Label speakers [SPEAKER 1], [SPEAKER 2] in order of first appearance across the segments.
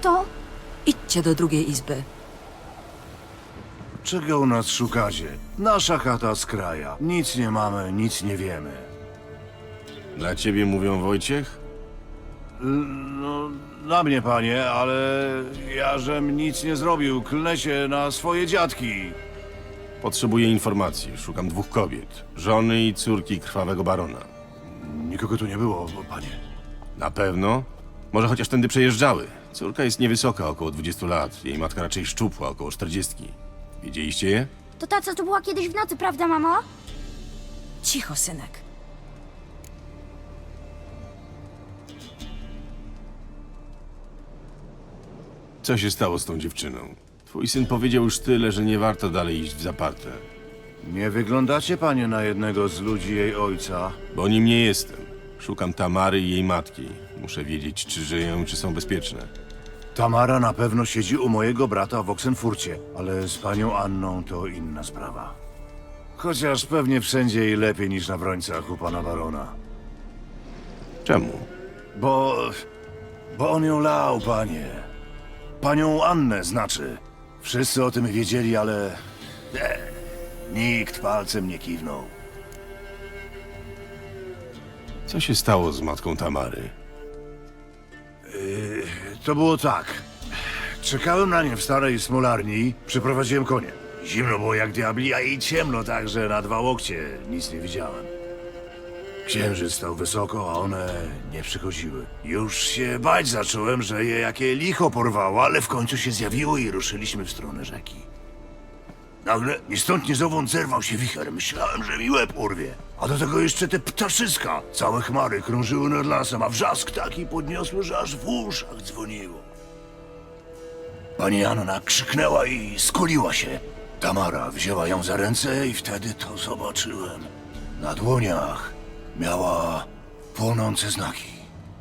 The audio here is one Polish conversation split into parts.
[SPEAKER 1] to...
[SPEAKER 2] Idźcie do drugiej izby.
[SPEAKER 3] Czego u nas szukacie? Nasza chata z kraja. Nic nie mamy, nic nie wiemy.
[SPEAKER 4] Dla ciebie mówią Wojciech?
[SPEAKER 3] No, na mnie, panie, ale ja żem nic nie zrobił. Klnę się na swoje dziadki.
[SPEAKER 4] Potrzebuję informacji. Szukam 2 kobiet. Żony i córki krwawego barona.
[SPEAKER 3] Nikogo tu nie było, panie.
[SPEAKER 4] Na pewno? Może chociaż tędy przejeżdżały. Córka jest niewysoka, około 20 lat. Jej matka raczej szczupła, około 40. Widzieliście je?
[SPEAKER 1] To ta, co tu była kiedyś w nocy, prawda, mamo?
[SPEAKER 2] Cicho, synek.
[SPEAKER 4] Co się stało z tą dziewczyną? Twój syn powiedział już tyle, że nie warto dalej iść w zaparte.
[SPEAKER 3] Nie wyglądacie, panie, na jednego z ludzi jej ojca.
[SPEAKER 4] Bo nim nie jestem. Szukam Tamary i jej matki. Muszę wiedzieć, czy żyją i czy są bezpieczne.
[SPEAKER 3] Tamara na pewno siedzi u mojego brata w Oksenfurcie, ale z panią Anną to inna sprawa. Chociaż pewnie wszędzie i lepiej niż na Brońcach u pana barona.
[SPEAKER 4] Czemu?
[SPEAKER 3] Bo on ją lał, panie. Panią Annę znaczy. Wszyscy o tym wiedzieli, ale... nikt palcem nie kiwnął.
[SPEAKER 4] Co się stało z matką Tamary?
[SPEAKER 3] To było tak. Czekałem na nie w starej smolarni, przyprowadziłem konie. Zimno było jak diabli, a i ciemno tak, że na 2 łokcie nic nie widziałem. Księżyc stał wysoko, a one nie przychodziły. Już się bać zacząłem, że je jakie licho porwało, ale w końcu się zjawiło i ruszyliśmy w stronę rzeki. Nagle ni stąd ni zowąd zerwał się wicher. Myślałem, że mi łeb urwie. A do tego jeszcze te ptaszyska. Całe chmary krążyły nad lasem, a wrzask taki podniosły, że aż w uszach dzwoniło. Pani Anna krzyknęła i skuliła się. Tamara wzięła ją za ręce i wtedy to zobaczyłem. Na dłoniach miała płonące znaki.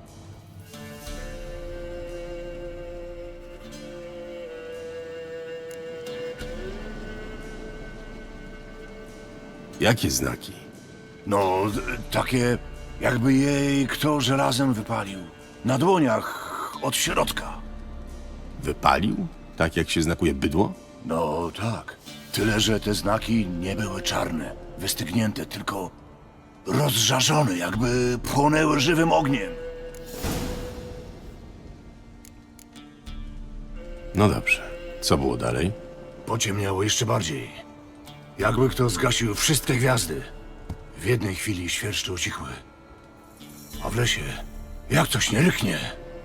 [SPEAKER 4] Jakie znaki?
[SPEAKER 3] No, takie jakby jej kto żelazem wypalił. Na dłoniach od środka.
[SPEAKER 4] Wypalił? Tak jak się znakuje bydło?
[SPEAKER 3] No tak. Tyle, że te znaki nie były czarne, wystygnięte, tylko rozżarzone, jakby płonęły żywym ogniem.
[SPEAKER 4] No dobrze. Co było dalej?
[SPEAKER 3] Pociemniało jeszcze bardziej. Jakby kto zgasił wszystkie gwiazdy. W jednej chwili świerszcze ucichły. A w lesie, jak coś nie ryknie.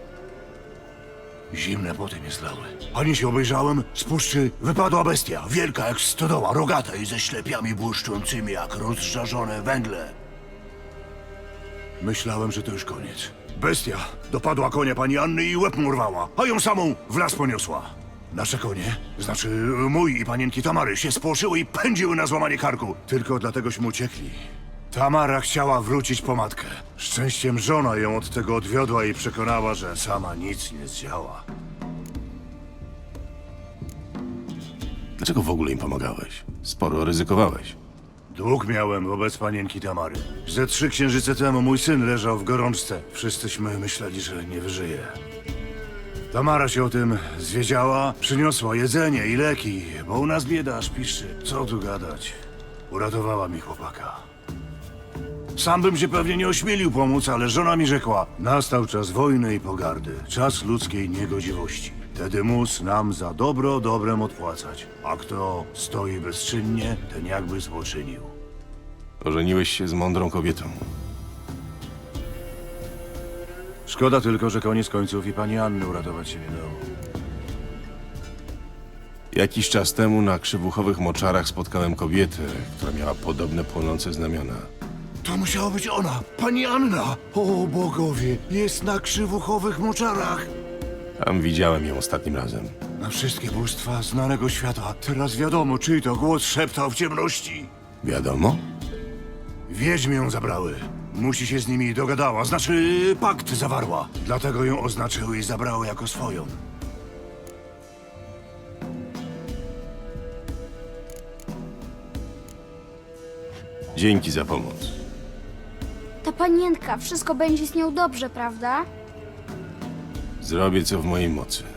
[SPEAKER 3] Zimne poty mnie zlały. Ani się obejrzałem, z puszczy wypadła bestia. Wielka jak stodoła, rogata i ze ślepiami błyszczącymi jak rozżarzone węgle. Myślałem, że to już koniec. Bestia dopadła konia pani Anny i łeb mu urwała, a ją samą w las poniosła. Nasze konie, znaczy mój i panienki Tamary, się spłoszyły i pędziły na złamanie karku. Tylko dlategośmy uciekli. Tamara chciała wrócić po matkę. Szczęściem żona ją od tego odwiodła i przekonała, że sama nic nie zdziała.
[SPEAKER 4] Dlaczego w ogóle im pomagałeś? Sporo ryzykowałeś.
[SPEAKER 3] Dług miałem wobec panienki Tamary. Ze 3 księżyce temu mój syn leżał w gorączce. Wszyscyśmy myśleli, że nie wyżyje. Tamara się o tym zwiedziała, przyniosła jedzenie i leki, bo u nas bieda aż piszczy. Co tu gadać? Uratowała mi chłopaka. Sam bym się pewnie nie ośmielił pomóc, ale żona mi rzekła: nastał czas wojny i pogardy, czas ludzkiej niegodziwości. Wtedy mus nam za dobro dobrem odpłacać, a kto stoi bezczynnie, ten jakby złoczynił.
[SPEAKER 4] Ożeniłeś się z mądrą kobietą.
[SPEAKER 3] Szkoda tylko, że koniec końców i pani Anny uratować się nie dało.
[SPEAKER 4] Jakiś czas temu na krzywuchowych moczarach spotkałem kobietę, która miała podobne płonące znamiona.
[SPEAKER 3] To musiała być ona, pani Anna! O bogowie, jest na krzywuchowych moczarach!
[SPEAKER 4] Tam widziałem ją ostatnim razem.
[SPEAKER 3] Na wszystkie bóstwa znanego świata. Teraz wiadomo, czyj to głos szeptał w ciemności.
[SPEAKER 4] Wiadomo?
[SPEAKER 3] Wiedźmy ją zabrały. Musi się z nimi dogadała, znaczy pakt zawarła. Dlatego ją oznaczyły i zabrały jako swoją.
[SPEAKER 4] Dzięki za pomoc.
[SPEAKER 1] Ta panienka, wszystko będzie z nią dobrze, prawda?
[SPEAKER 4] Zrobię co w mojej mocy.